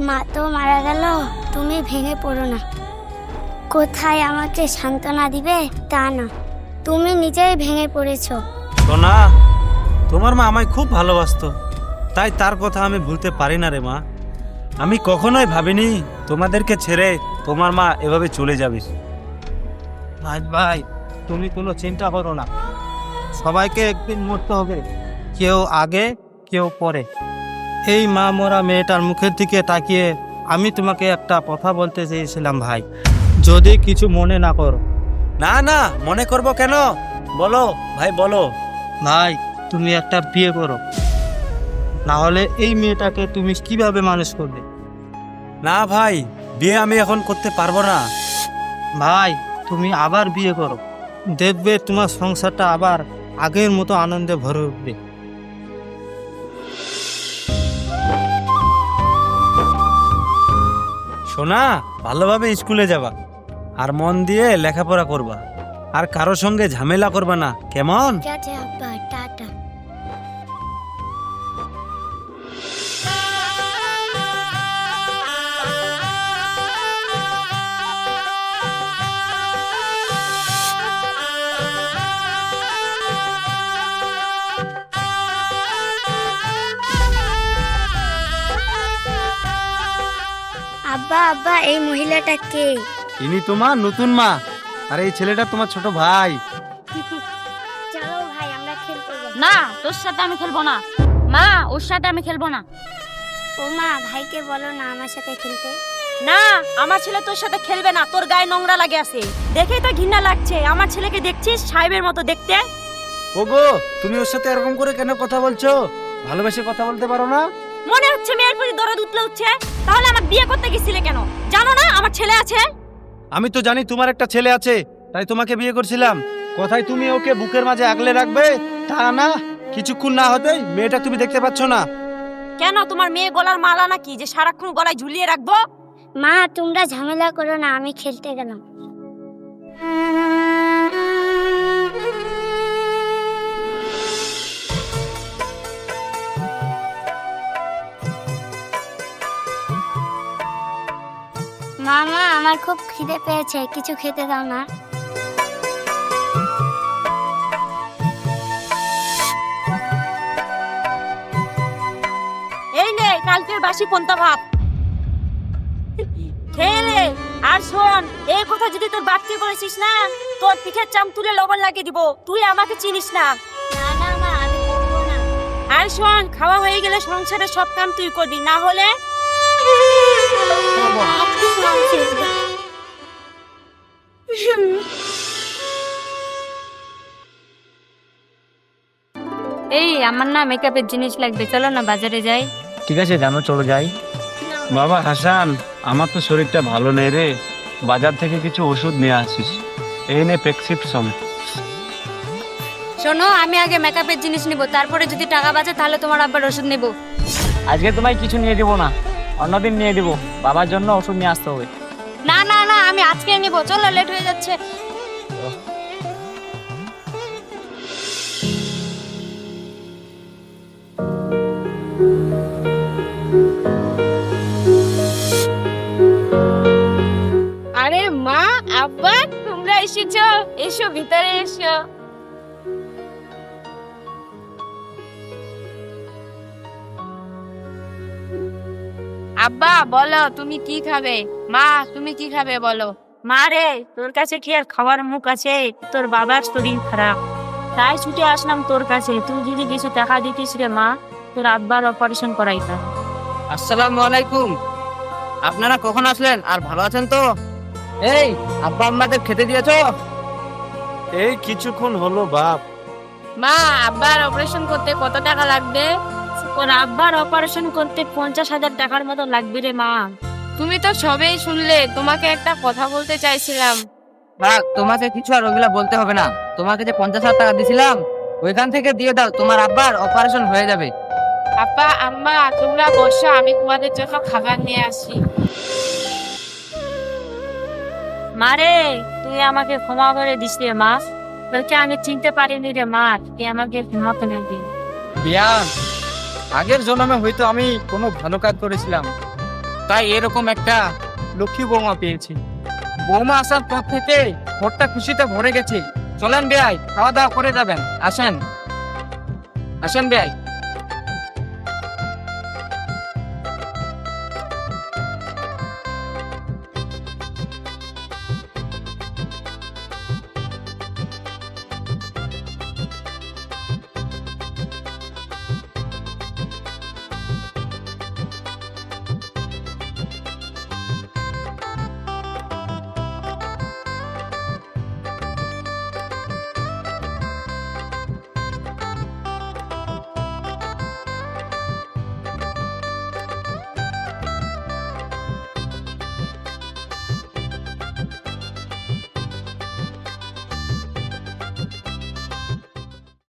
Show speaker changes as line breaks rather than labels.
মা তো মারা গেল, তুমি ভেঙে পড়ো না। কোথায় আমাকে সান্ত্বনা দিবে তা না, তুমি নিজেই ভেঙে পড়েছো।
সোনা, তোমার মা আমায় খুব ভালোবাসতো, তাই তার কথা আমি ভুলতে পারি না রে মা। আমি কখনোই ভাবিনি তোমাদেরকে ছেড়ে তোমার মা এভাবে চলে যাবে।
ভাই ভাই, তুমি কোনো চিন্তা করো না, সবাইকে একদিন মরতে হবে, কেউ আগে কেউ পরে। এই মা মরা মেয়েটার মুখের দিকে তাকিয়ে আমি তোমাকে একটা কথা বলতে চেয়েছিলাম ভাই, যদি কিছু মনে না করো।
না না, মনে করব কেন? বলো ভাই, বলো।
ভাই, তুমি একটা বিয়ে করো, না হলে এই মেয়েটাকে তুমি কিভাবে মানুষ করবে?
না ভাই, বিয়ে আমি এখন করতে পারবো না।
ভাই, তুমি আবার বিয়ে করো, দেখবে তোমার সংসারটা আবার আগের মতো আনন্দে ভরে উঠবে।
সোনা, ভালোভাবে স্কুলে যাবা, আর মন দিয়ে লেখাপড়া করবা, আর কারো সঙ্গে ঝামেলা করবা না, কেমন?
ঠিক আছে আব্বা, টাটা। আব্বা আব্বা, এই মহিলাটা কে?
ইনি তোমার নতুন মা, আর এই ছেলেটা তোমার ছোট ভাই।
চলো ভাই, আমরা খেলতে যাই।
না, তোর সাথে আমি খেলবো না। মা, ওর সাথে আমি খেলবো না।
ও মা, ভাইকে বলো না আমার সাথে খেলতে।
না, আমার ছেলে তোর সাথে খেলবে না, তোর গায়ে নোংরা লাগে আছে, দেখেই তো ঘৃণা লাগছে। আমার ছেলেকে দেখছিস সাহেবের মতো দেখতে।
ওগো, তুমি ওর সাথে এরকম করে কেন কথা বলছো? ভালোবেসে কথা বলতে পারো না?
মনে হচ্ছে মেয়ের প্রতি দরদ উঠলে উঠছে। তাহলে আমার বিয়ে করতে গেছিলে কেন? জানো না আমার ছেলে আছে?
আমি তো জানি তোমার একটা ছেলে আছে, তাই তোমাকে বিয়ে করছিলাম। কোথায় তুমি ওকে বুকের মাঝে আগলে রাখবে, তা না, কিছুক্ষণ না হতেই মেয়েটা তুমি দেখতে পাচ্ছ না?
কেন, তোমার মেয়ে গলার মালা নাকি যে সারাক্ষণ গলায় ঝুলিয়ে রাখবো?
মা, তোমরা ঝামেলা করো না, আমি খেলতে গেলাম। মামা, আমার খুব খিদে পেয়েছে, কিছু খেতে দাও না।
এই নে কালকের বাসি পন্তা ভাত খেয়ে নে। আর শোন, এই কথা যদি তোর বাপকে বলেছিস না, তোর পিঠের চাম তুলে লবণ লাগিয়ে দিব। তুই আমাকে চিনিস না।
না না মা, আমি বলবো না।
আর শোন, খাওয়া হয়ে গেলে সংসারের সব কাম তুই করবি, না হলে এই আমার না মেকআপের জিনিস লাগবে, চলো না বাজারে যাই।
ঠিক আছে, জানো, চলো যাই।
বাবা হাসান, আমার তো শরীরটা ভালো নেই রে, বাজার থেকে কিছু ওষুধ নিয়ে আসিস। এই নে প্রেসক্রিপশন।
শোনো, আমি আগে মেকআপের জিনিস নিব, তারপরে যদি টাকা বাঁচে তাহলে তোমার আব্বার ওষুধ নেব।
আজকে তোমায় কিছু নিয়ে দেবো না, অন্যদিন নিয়ে দেবো, বাবার জন্য ওষুধ নিয়ে আসতে হবে।
না না না, আমি আজকে নিব, চলো, লেট হয়ে যাচ্ছে। আরে মা, আব্বা, তোমরা এসেছো, এসো ভিতরে এসো। আব্বা বলো, তুমি কি খাবে? মা, তুমি কি খাবে বলো? মা রে, তোর কাছে কি আর খাওয়ার মুখ আছে? তোর বাবার শরীর খারাপ, তাই ছুটে আসলাম তোর কাছে। তুই যদি কিছু টাকা দিতিস রে মা, তোর আব্বার অপারেশন করাইতাম।
আসসালামু আলাইকুম, আপনারা কখন আসলেন? আর ভালো আছেন তো? এই, আব্বা আম্মাদের খেতে দিয়েছো?
এই কিছুক্ষণ হলো বাপ।
মা, আব্বার অপারেশন করতে কত টাকা লাগবে? ওর আব্বার অপারেশন করতে 50,000 টাকার মতো লাগবে রে মা। তুমি তো সবেই শুনলে, তোমাকে একটা কথা বলতে চাইছিলাম।
থাক, তোমাকে কিছু আর ওগুলা বলতে হবে না। তোমাকে যে 50,000 টাকা দিছিলাম, ওইখান থেকে দিয়ে দাও, তোমার আব্বার অপারেশন হয়ে যাবে।
আব্বা আম্মা, তোমরা বসো, আমি তোমাদের জন্য খাবার নিয়ে আসি। মারে, তুই আমাকে ক্ষমা করে দিস রে মা, তোকে আমি চিনতে পারিনি রে মা, তুই আমাকে ক্ষমা করে দিন।
বিয়ান, আগের জন্মে হয়তো আমি কোনো ভালো কাজ করেছিলাম, তাই এরকম একটা লক্ষ্মী বৌমা পেয়েছি। বৌমা আসার পর থেকে ঘরটা খুশিতে ভরে গেছে। চলেন বেয়াই, খাওয়া দাওয়া করে যাবেন। আসেন আসেন বেয়াই।